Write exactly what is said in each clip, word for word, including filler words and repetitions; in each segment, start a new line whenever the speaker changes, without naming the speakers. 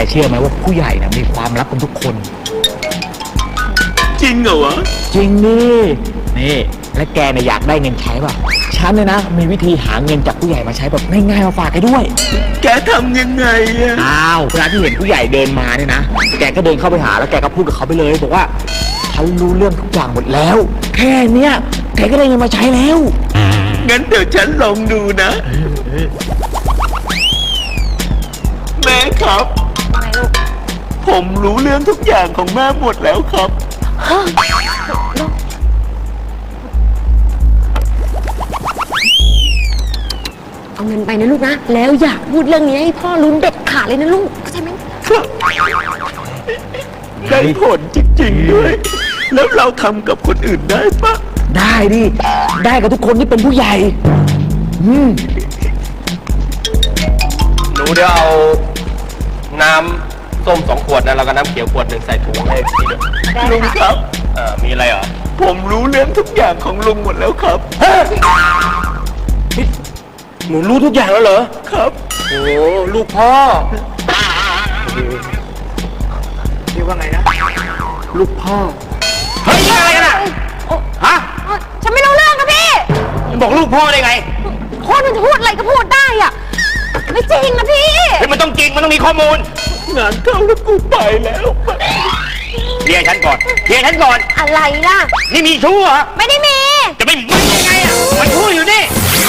เชื่อไหมว่าผู้ใหญ่นะมีความลับกันทุกคน
จริงเหรอวะ
จริงนี่นี่และแกเนี่ยอยากได้เงินใช้ป่ะฉันเนี่ยนะมีวิธีหาเงินจากผู้ใหญ่มาใช้แบบง่ายๆมาฝากแกด้วย
แกทำยังไงอะ
อ้าวเวลาที่เห็นผู้ใหญ่เดินมาเนี่ยนะแกก็เดินเข้าไปหาแล้วแกก็พูดกับเขาไปเลยบอกว่าฉันรู้เรื่องทุกอย่างหมดแล้วแค่เนี้ยแกก็ได้เงินมาใช้แล้ว
งั้นเดี๋ยวฉันลองดูนะแม่ครับผมรู้เรื่องทุกอย่างของแม่หมดแล้วครับ
เอาเงินไปนะลูกนะแล้วอย่าพูดเรื่องนี้ให้พ่อรู้เด็ดขาดเลยนะลูกเข้าใจไหม
ได้ผลจริงๆด้วยแล้วเราทำกับคนอื่นได้ปะ
ได้ดิได้กับทุกคนที่เป็นผู้ใหญ่อืม
หนูเดี๋ยวเอาน้ำส้มสองขวดนะแล้วก็น้ำเขียวขวดหนึ่งใส่ถุงให้พี่ด้วย
ลุงครับ
เออมีอะไรเหรอ
ผมรู้เรื่องทุกอย่างของลุงหมดแล้วครับ
หนูรู้ทุกอย่างแล้วเหรอ
ครับ
โอ้ลูกพ่อเรียกว่าไงนะลูกพ่อเฮ้ยอะไรกันอะฮะ
ฉันไม่รู้เรื่องครับพี่
บอกลูกพ่อได้ไง
คนมันจะพูดอะไรก็พูดได้อะไม่จริงนะพี่
เฮ้ยมันต้องจริงมันต้องมีข้อมูล
งานเข้าแล้วกูไปแล้ว
เรียกฉันก่อนเรียกฉันก่อน
อะไรล่ะ
นี่มีชู้เหรอ
ไม่ได้มี
จะไม่มียังไงอะมันพูดอยู่นี่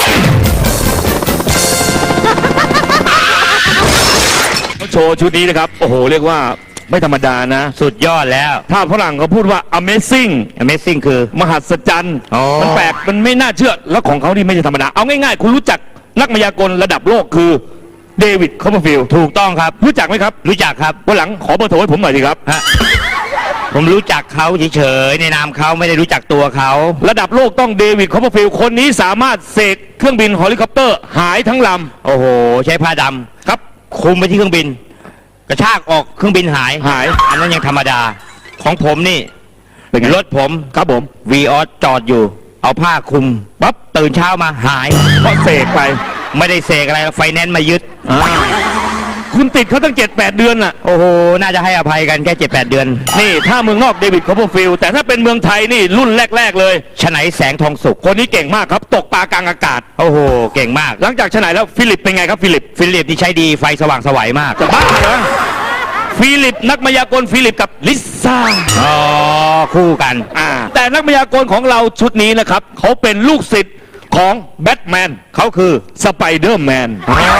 โชว์ชุดนี้นะครับโอ้โหเรียกว่าไม่ธรรมดานะ
สุดยอดแล้ว
ถ้าฝรั่งเขาพูดว่า amazing
amazing คือ
มหัศจรรย์มันแปลกมันไม่น่าเชื่อแล้วของเขานี่ไม่ใช่ธรรมดาเอาง่ายๆคุณรู้จักนักมายากลระดับโลกคือเดวิดคอปเปอร์ฟิลด์
ถูกต้องครับ
รู้จักไหมครับ
รู้จักครับ
วันหลังขอเบอร์โทรให้ผมหน่อยสิครับ
ฮะผมรู้จักเขาเฉยๆในนามเขาไม่ได้รู้จักตัวเขา
ระดับโลกต้องเดวิดคอปเปอร์ฟิลด์คนนี้สามารถเสกเครื่องบินเฮลิคอปเตอร์หายทั้งล
ำโอ้โหใช้ผ้าด
ำครับ
คุมไปที่เครื่องบินกระชากออกเครื่องบินหาย
หาย
อันนั้นยังธรรมดาของผมนี่รถผม
ครับผม
วีออสจอดอยู่เอาผ้าคลุมปั๊บตื่นเช้ามาหาย
เพราะเสกไป
ไม่ได้เสกอะไรไฟแนนซ์มายึด
คุณติดเขาตั้งเจ็ดแปดเดือนน่ะ
โอ้โหน่าจะให้อภัยกันแค่เจ็ดแปดเดือน
นี่ถ้าเมืองนอกเดวิดคอปเปอร์ฟิลด์แต่ถ้าเป็นเมืองไทยนี่รุ่นแรกๆเลย
ฉไนแสงทองสุข
คนนี้เก่งมากครับตกปลากลางอากาศ
โอ้โหเก่งมาก
หลังจากฉไนแล้วฟิลิปเป็นไงครับฟิลิป
ฟิลิปนี่ใช้ดีไฟสว่างสวยมาก
จะบ้าเหรอฟิลิปนักมายากลฟิลิปกับลิซ่า
อ๋อคู่กัน
อ่าแต่นักมายากลของเราชุดนี้นะครับเขาเป็นลูกศิษย์ของแบทแมนเขาคือสไปเดอร์แมน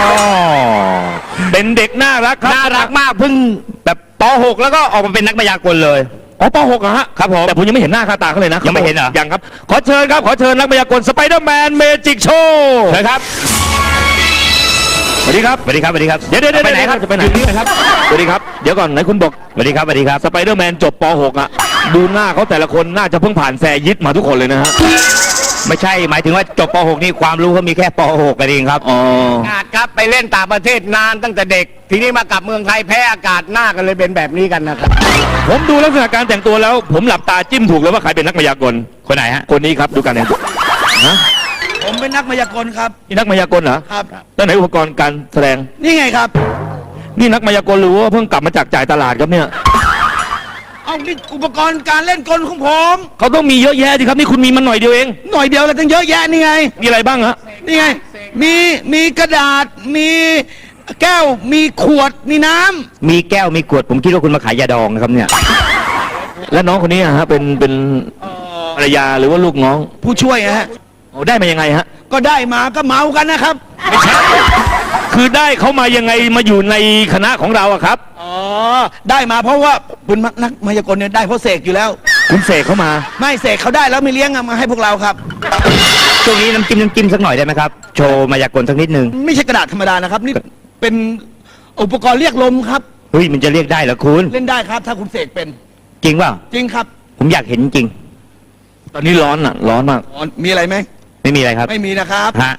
เป็นเด็กน่ารักครับ
น่ารักมากเพิ่งแบบป .หก แล้วก็ออกมาเป็นนักมายากลเลย
อ๋อป .หก อะฮะ
ครับผม
แต่ผมยังไม่เห็นหน้าค่าตาเขาเลยนะ
ยังไม่เห็นเหรอ
ยังครับขอเชิญครับขอเชิญนักมายากลสไปเดอร์แมนเมจิกโชว์
เชิญครับ
สวัสดีครับ
สวัสดีครับสวัสดีครับ
เดี๋ยวเดี๋ยวไปไหนครับจะไปไหนครับสวัสดีครับเดี๋ยวก่อนไหนคุณบอก
สวัสดีครับสวัสดีครับ
สไปเดอร์แมนจบป .หก อะดูหน้าเขาแต่ละคนน่าจะเพิ่งผ่านแซยิดมาทุกคนเลยนะฮะ
ไม่ใช่หมายถึงว่าจบป .หก นี่ความรู้เขามีแค่ป .หก กันเองครับ
อ๋อ
อาครับไปเล่นต่างประเทศนานตั้งแต่เด็กทีนี้มากลับเมืองไทยแพ้อากาศหน้ากันเลยเป็นแบบนี้กันนะครับ
ผมดูลักษณะการแต่งตัวแล้วผมหลับตาจิ้มถูกเลยว่าใครเป็นนักมายากล
คนไหนฮะ
คนนี้ครับดูกันเนี่ย
ฮะผมเป็นนักมายากลครับ
นี่นักมายากลเหรอ
ครับ
แล้วไหนอุปกรณ์การแสดง
นี่ไงครับ
นี่นักมายากลหรือว่าเพิ่งกลับมาจากจ่ายตลาดครับเนี่ย
เอานี่อุปกรณ์การเล่นกลของผม
เขาต้องมีเยอะแยะดิครับนี่คุณมีมันหน่อยเดียวเอง
หน่อยเดียวแล้วตั้งเยอะแยะนี่ไง
มีอะไรบ้างฮะ
นี่ไงมีมีกระดาษมีแก้วมีขวดมีน้ำ
มีแก้วมีขวดผมคิดว่าคุณมาขายยาดองนะครับเนี่ย
แล้วน้องคนนี้ฮะเป็นเป็นภรรยาหรือว่าลูกน้อง
ผู้ช่วยฮะ
โอ้ได้มายังไงฮะ
ก็ได้มาก็เมากันนะครับ
ไม่ใช่คือได้เขามายังไงมาอยู่ในคณะของเราอะครับ
อ๋อได้มาเพราะว่าเป็นนักมายากลเนี่ยได้เพราะเสกอยู่แล้ว
คุณเสกเขามา
ไม่เสกเขาได้แล้วไม่เลี้ยงมาให้พวกเราครับ
ช่วงนี้น้ำจิ้มน้ำจิ้มสักหน่อยได้ไหมครับโชว์มายากลสักนิดนึง
ไม่ใช่กระดาษธรรมดานะครับนี่เป็นอุปกรณ์เรียกลมครับ
เฮ้ยมันจะเรียกได้เหรอคุณ
เล่นได้ครับถ้าคุณเสกเป็น
จริงเปล่า
จริงครับ
ผมอยากเห็นจริง
ตอนนี้ร้อนอ่ะร้อนมาก
มีอะไรไหม
ไม่มีอะไรครับ
ไม่มีนะครับ
ฮะ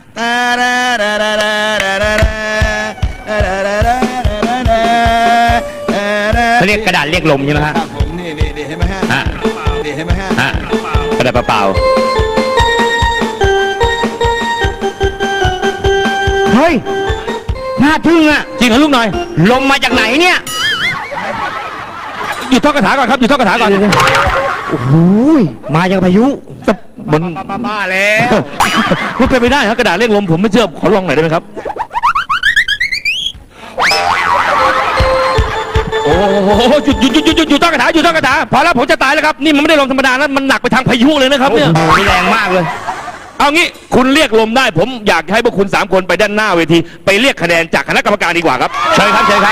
เขาเรียกกระดาษเรียกลมใช่ไหมฮะ
ผมนี่นี่นี่เห็นไหมฮะนี่เห็นไหมฮะ
กระดาษเปล่า
เฮ้ย
น่าทึ่งอ่ะ
จริงเหรอลูกหน่อย
ลมมาจากไหนเนี่ย
หยุดท่องคาถาก่อนครับหยุดท่องคาถาก่อน
โอ้โหมาอย่างพายุ
แต่มัน
บ้าแล้ว
มันเป็นไปได้ครับกระดาษเรียกลมผมไม่เชื่อขอลองหน่อยได้ไหมครับโอ้โหหยุดหยุดหยุดหยุดหยุดหยุดท่องคาถาหยุดท่องคาถาพอแล้วผมจะตายแล้วครับนี่มันไม่ได้ลมธรรมดานะมันหนักไปทางพายุเลยนะครับเนี่ย
แรงมากเลย
เอางี้คุณเรียกลมได้ผมอยากให้พวกคุณสามคนไปด้านหน้าเวทีไปเรียกคะแนนจากคณะกรรมการดีกว่าครับเชิญครับเชิญครับ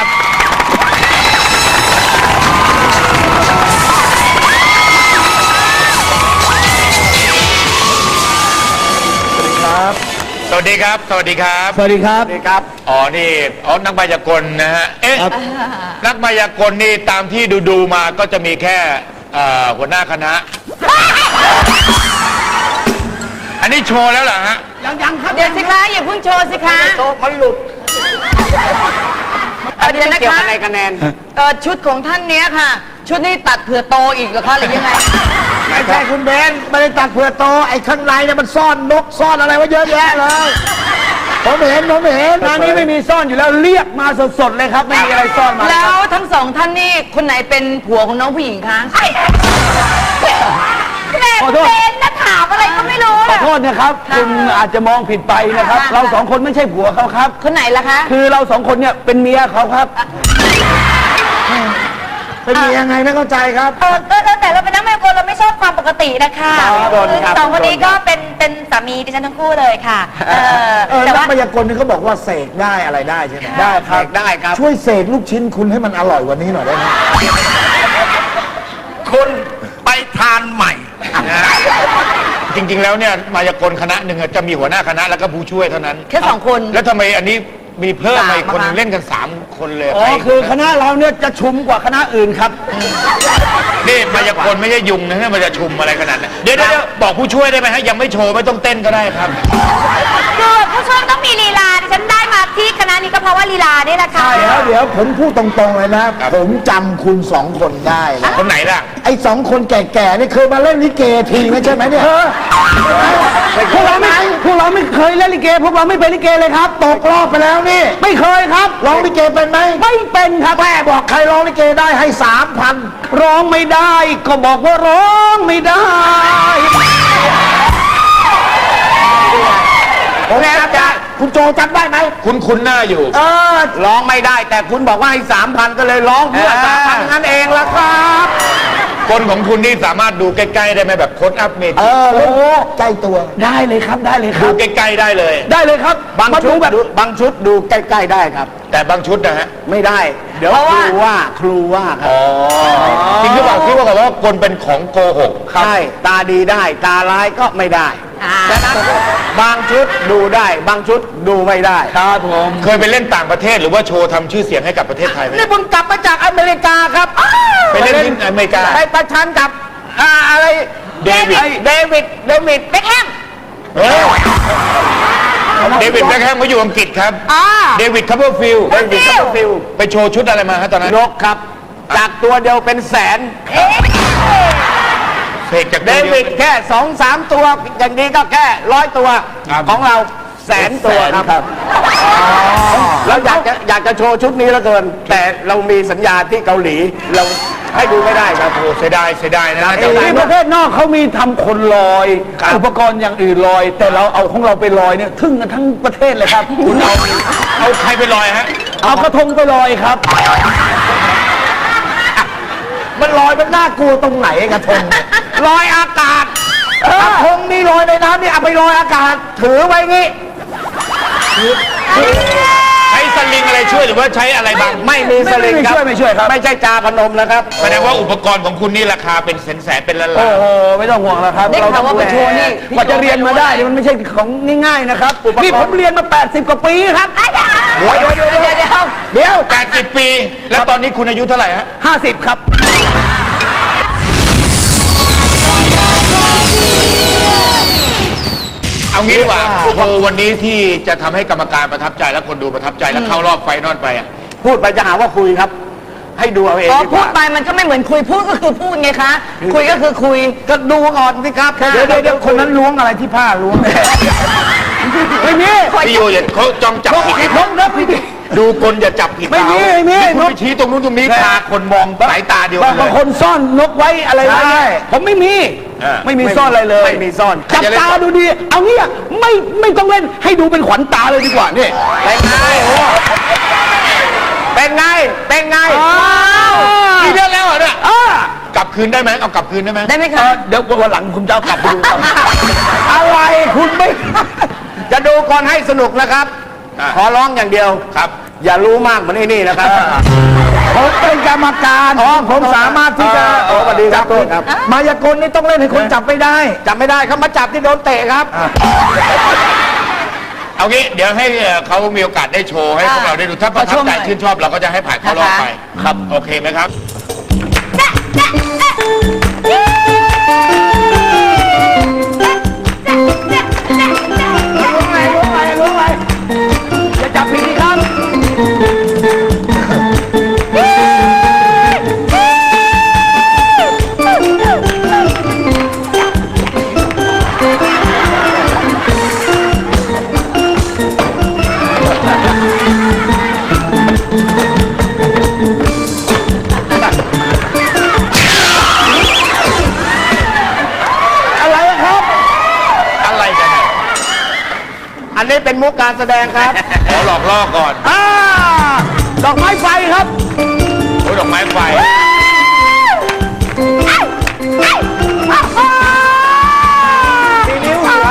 สวัสดีครับ สวัสดีครับ
สวัสดีครับ
สวัสดีครับ อ๋อ นี่อ๋อนักมายากลนะฮะ เอ๊ะ นักมายากลนี่ตามที่ดูดูๆมาก็จะมีแค่เอ่อหัวหน้าคณะ อันนี้โชว์แล้วเหรอฮะ
เดี๋ยวสิคะอย่าเพิ่งโชว์สิคะ
โต๊ะมันหลุด
เอ่อเดี๋ยวนะคะอะไรคะแนนเออชุดของท่านเนี้ยค่ะ ชุดนี้ตัดเผื่อโตอีกเหรอคะหรือยังไง
ไม่ใช่คุณเบนไม่ได้ตัดเผื่อโตไอ้ข้างในเนี่ยมันซ่อนนกซ่อนอะไรไว้เยอะแยะเลยผมเห็นผมเห็นงานนี้ไม่มีซ่อนอยู่แล้วเรียกมาสดๆเลยครับไม่มีอะไรซ่อนมา
แล้วทั้งสองท่านนี่คนไหนเป็นผัวของน้องผู้หญิงคะ
ขอโทษ
เป็นนะถามอะไรก็ไม่รู้
ขอโทษนะครับคุณอาจจะมองผิดไปนะครับ เราสองคนไม่ใช่ผัวเขาครับ
คนไหนล่ะคะ
คือเราสองคนเนี่ยเป็นเมียเขาครับเป็นเมียยังไงไม่เข้าใจครับ
เออก็แล้วแต่เราเป็นนักมายากลเราไม่ชอบความปกตินะคะ
ครับ
คือ
ครับ
สองคนนี้ก็เป็นเป็นสามีดิฉันทั้งคู่เลยค่ะ เออ
เออ
แต่
นัก
ว่า
มายากลนี่เขาบอกว่าเสกได้อะไรได้ใช่ไหมได้ครับ
ได้ครับ
ช่วยเสกลูกชิ้นคุณให้มันอร่อยกว่านี้หน่อยได้ไหม
คุณไปทานใหม่นะฮะจริงๆ แล้วเนี่ยมายากลคณะหนึ่งอะจะมีหัวหน้าคณะแล้วก็ผู้ช่วยเท่านั้น
แค่สองคน
แล้วทำไมอันนี้มีเพิ่มมาอีกคนหนึ่ง
สาม
เล่นกันสามคนเลย
อ๋อ
ใร
คือคณะเราเนี่ยจะชุมกว่าคณะอื่นครับ
นี่มายากลไม่ใช่ยุงนะเนี่ยมันจะชุมอะไรขนาดนั้นเดี๋ยวเดี๋ยวบอกผู้ช่วยได้ไหมฮะยังไม่โชว์ไม่ต้องเต้นก็ได้ครับ
คือผู้ช่วยต้องมีลีลาดิฉันได้มาที่คณะนี้ก็เพราะว่าลีลานี่แหละค่ะ
ใช่แล้วเดี๋ยวผมพูดตรงๆเลยนะ ผมจำคุณสองคนได้นะ
คนไหนล่ะ
ไอ้สองคนแก่ๆนี่เคยมาเล่นลิเกทีนะใช่ไหมเนี่ยพวกเราไม่พวกเราไม่เคยเล่นลิเก พวกเราไม่เป็นลิเกเลยครับ ตกรอบไปแล้วนี่ ไม่เคยครับร้องลิเกเป็นไหมไม่เป็นครับแม่บอกใครร้องลิเกได้ให้สามพันร้องไม่ได้ ก็บอกว่าร้องไม่ได้ผมจำได้คุณโจจำได้ไหม
คุณคุ้นหน้าอยู่
เออ
ร้องไม่ได้แต่คุณบอกว่าให้สามพันก็เลยร้องเพื่อสามพันนั่นเองละครับ
คนของคุณนี่สามารถดูใกล้ๆได้ไหมแบบโค้ดอัพเม
เอ
จิ
อโอ้โหใกล้ตัวได้เลยครับได้เลยค
ดู
รับ
ใกล้ๆได้เลย
ได้เลยครับ
บาง
มา
ชุ
ดู
ด
แบบ
ดูบางชุดดูใกล้ๆได้ครับ
แต่บางชุดนะฮะ
ไม่ได้ เดี๋ยว
เพราะ
ค
ว่า
รูว่าครูว่าครับ
อ๋อจริงหรือเปล่าที่ว่าบอกว่าคนเป็นของโกหก
ใช่ตาดีได้ ตาร้ายก็ไม่ได้
อ่า
ฉะนั้นบางชุดดูได้ บางชุดดูไม่ได้ครับผม
เคยไปเล่นต่างประเทศหรือว่าโชว์ทำชื่อเสียงให้กับประเทศไทยไหม
นี่ผมกลับมาจากอเมริกาครับอ้าว
ไปเล่นที่อเมริกา
ไปประชันกับอ่าอะไร
เดวิด
ไอ้เดวิดเดวิด
เบ็คแฮม
เออเดวิดแบ็คแฮมเขาอยู่อังกฤษครับ
อ่า
เดวิดคัพเปอร์ฟิลด์
เดวิดคัพเปอร์ฟิลด์
ไปโชว์ชุดอะไรมาฮะตอนนั้น
นกครับ จากตัวเดียวเป็นแสน
เอ๊ะ
เสกจาก
เด
ตัว
วิด
เดียว
แค่สองสามตัว อย่างนี้ก็แค่ร้อยตัว
ครับ
ของเราแสนตัวครับแล้วอยากจะอยากจะโชว์ชุดนี้แล้วเกิน แต่เรามีสัญญาที่เกาหลี เราให้ดูไม่ได้ครับ
โอ้เสียดายเสียดายนะ
ได้
แต่
ที่ประเทศนอกเขามีทำคนลอย อุปกรณ์อย่างอื่นลอย แต่เราเอาของเราไปลอยเนี่ยทึ่งกันทั้งประเทศเลยครับคุณเอา
เอาใครไปลอยฮะ
เอากระทงไปลอยครับ มันลอยมันน่ากลัวตรงไหนกระทงเนี่ย
ลอยอากาศ
กระทงนี่ลอยในน้ำนี่เอาไปลอยอากาศ ถือไว้งี้
ใช้สลิงอะไรช่วยหรือว่าใช้อะไรบัง
ไม่มีสลิงครับ
ไม่ช่วยไม่ช่วยครับ
ไม่ใช่จาพนมนะครับ
แสดงว่าอุปกรณ์ของคุณนี่ราคาเป็นแสนแสนๆเป็นล้าน
โอ้
ล้าน
โหไม่ต้องห่วงแล้วครับ
ได้ข่าวว่าไปโชว์นี่พี่
กว่าจะเรียนมาได้นี่มันไม่ใช่ของง่ายๆนะครับนี่ผมเรียนมา แปดสิบ กว่าปีครับ
เดี๋ยวเดี๋ยวเดี๋ยว
เดี๋ยวเดี๋ยว
เดี๋ยว
แปดสิบปี แล้วตอนนี้คุณอายุเท่าไหร่ฮะ
ห้าสิบครับ
เอางี้ดีกว่าโชว์วันนี้ที่จะทำให้กรรมการประทับใจและคนดูประทับใจและเข้ารอบไฟนอลไปอ่ะ
พูดไปจะหาว่าคุยครับ ให้ดูเอาเอง
อ๋อ
ดีก
พูด
ว่า
ไปมันก็ไม่เหมือนคุยพูดก็คือพูดไงคะ คุยก็คือคุย
ก็ดูก่อนสิครับ
เดี๋ยวเดี๋ยวเดี๋ยวคนนั้นล้วงอะไรที่ผ้าล้วงไม่มี
พี่โยอย่าเขาจ้องจับผิด
ล้วงนะพี่
ดูกลอย่าจับผิด
ไม่มีไม่มี
คุณไปชี้ตรงนู้นตรงนี้พาคนมองสายตาเดียว
บา
กั
ง
นเล
บาง
ย
คนซ่อนนกไว้อะไรไว้เนี่ยผมไม่มี
อ่า
ไม่มีซ่อนอะไรเลย
ไม่มีซ่อน
จับตาดูดี เอางี้อะไม่ไม่ต้องเล่นให้ดูเป็นขวัญตาเลยดีกว่านี่
เป็นไงเป็นไงเป็นไง
กี่เดือนแล้วเหรอเนี่ย
อ่าก
ลับคืนได้ไหมเอากลับคืนได้ไหม
ได้ไหม
เอ
คะ
อเดี๋ยววันหลังผมจะเอากลับไปดูครับอะไรคุณไม่
จะดูก่อนให้สนุกนะครับ ขอร้องอย่างเดียว
ครับ
อย่ารู้มากเหมือนไอ้นี่นะครับ
ผมเป็นกรรมการผมสามารถที่จะ
อ๋อสวัสดีครับโทษครับ
มายากลนี่ต้องเล่นให้คนจับไม่ได้
จับไม่ได้เขามาจับที่โดนเตะครับ
เอางี้เดี๋ยวให้เอ่อเขามีโอกาสได้โชว์ให้พวกเราได้ดูถ้าประทับใจชื่นชอบเราก็จะให้ผ่านเข้ารอบไปครับโอเคไหมครับ
รู้ไหมรู้ไหมรู้ไหมอย่าจับผิดครับ อะไรอะครับ
อะไรกันเนี่ย
อันนี้เป็นมุกการแสดงครับ
ขอหลอกล่อก่อน
อ่า ดอกไม้ไฟครับ
โอ้ยดอกไม้ไฟ
สีนิ้วครับ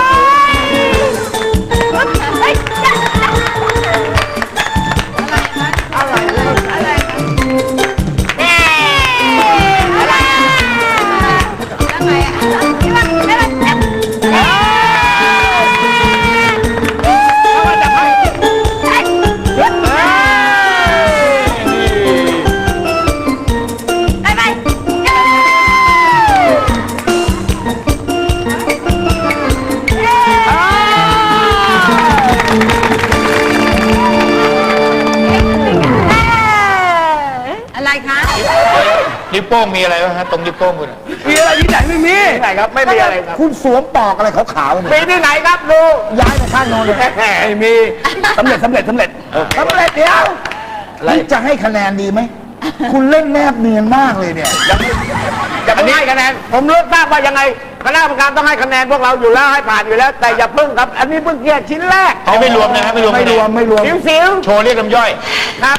อะไรคะ
นิ้วโป้งมีอะไรบ้างฮะตรงนิ้วโป้งคุณอะ
มีอะไรที่ไหนไม่มี
ที่ไหนครับไม่มีอะไรครับ
คุณสวมปอกอะไรขาวๆเนี่ย
มีที่ไหนครับดู
ย้ายไปข้างโน้นเลย
แหม
ไม่มีสำเร็จสำเร็จสำเร็จสำเร็จเดี๋ยวนี่จะให้คะแนนดีไหม คุณเล่นแนบเนียนมากเลยเนี่ย
อย่าเพิ่งให้คะแนนผมรู้ทราบว่ายังไงคณะกรรมการต้องให้คะแนนพวกเราอยู่แล้วให้ผ่านอยู่แล้ว แต่อย่าเพิ่งครับ อันนี้เพิ่งเกียรชิ้นแรก
นี่ไม่รวมนะฮะไม่รวม
ไม่รวมไม่รวม
สิวสิว
โชว์เรียกน้ำย่อย
ๆครับ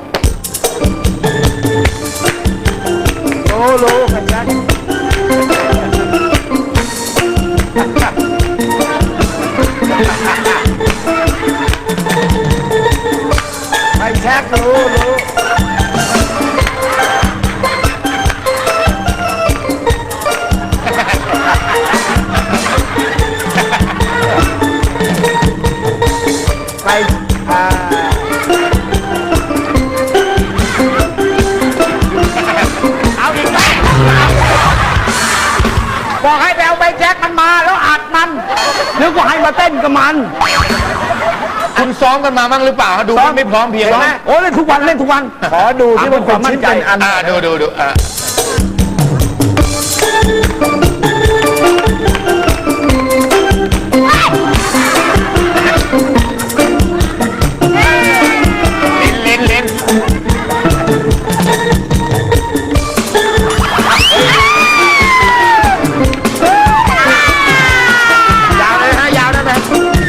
รู้รู้กันชัดไปแช็ครู้รู้ ไปอ่า
เอาอีกไหมบอกให้ไปเอาใบแจ็คมันมาแล้วอัดมัน
นึกว่าให้มาเต้นกับมัน
คุณซ้อมกันมาบ้างหรือเปล่าฮะดูมันไม่พร้อมเพรียง
เห็นไหม
นะ
โอ้เล่นทุกวันเล่นทุกวัน ขอดูที่มันความมั่นใจอัน
อ่าดูดูดูอ่า ลิ้นลิ้นลิ้น
ยาวเลยฮะยาวได้ไหม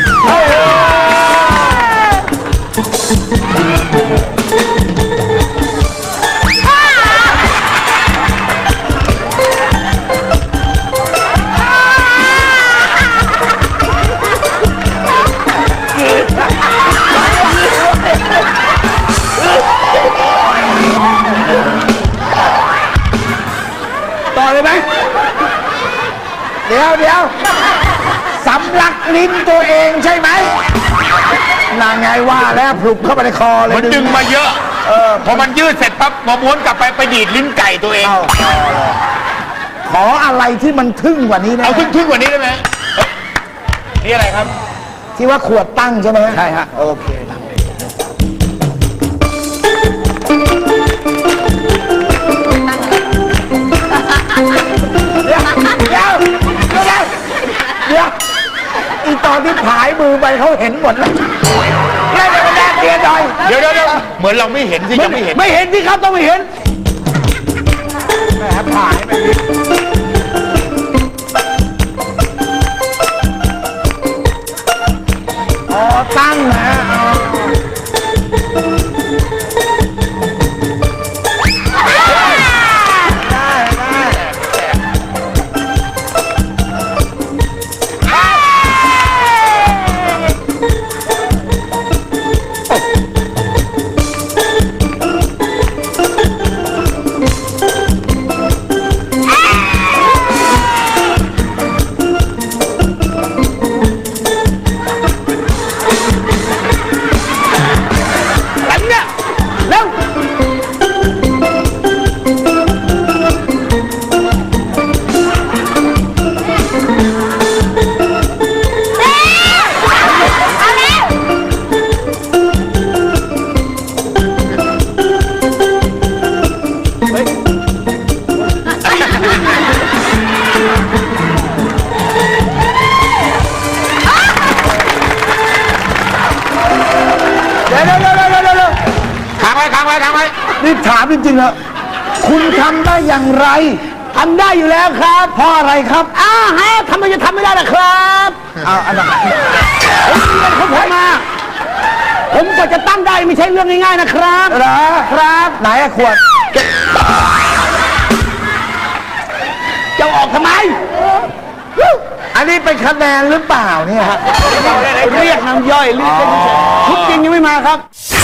ต่อเลยไหม เดี๋ยวเดี๋ยวสำลักลิ้นตัวเองใช่ไหมนางไงว่าแล้วพลุกเข้าไปในคอเลย
มันดึงมาเยอะ
เออ
พอมันยืดเสร็จปั๊บพอม้วนกลับไปไปดีดลิ้นไก่ตัวเอง
เอาขออะไรที่มันทึ่งกว่านี้นะ
เอาขึ้นขึ้นกว่านี้ได้ไหมเอ้ยนี่อะไรครับ
ที่ว่าขวดตั้งใช่ไหม
ใช่ฮะ
โอเคเดี๋ยวเดี๋ยวเดี๋ยวเดี๋ยวอีตอนที่ผายมือไปเขาเห็นหมดแล้ว
เล่นไปแดง
เกหน่อย
เดี๋ยวเดี๋ยวเดี๋ยวเหมือนเราไม่เห็นสิยังไม่เห็น
ไม่เห็นสิครับต้องไม่เห็นแหมผ่ายไปดิอ๋อตั้งนะเดี๋ยวเดี๋ยวเดี๋ยวเดี๋ยวเดี๋ยว
ค้างไว้ค้างไว้ค้างไว้
นี่ถามจริงๆเหรอคุณทำได้อย่างไรทำได้อยู่แล้วครับเพราะอะไรครับอ้าฮะทำไมจะทำไม่ได้ล่ะครับเอาอันนั้นผมเรียนของผมมาผมกว่าจะตั้งได้ไม่ใช่เรื่องง่ายๆนะครับเหรอครับไหนอะขวดจะออกทำไม อันนี้เป็นคะแนนหรือเปล่าเนี่ยฮะเรียกน้ำย่อยเรียกชุดจริงยังไม่มาครับ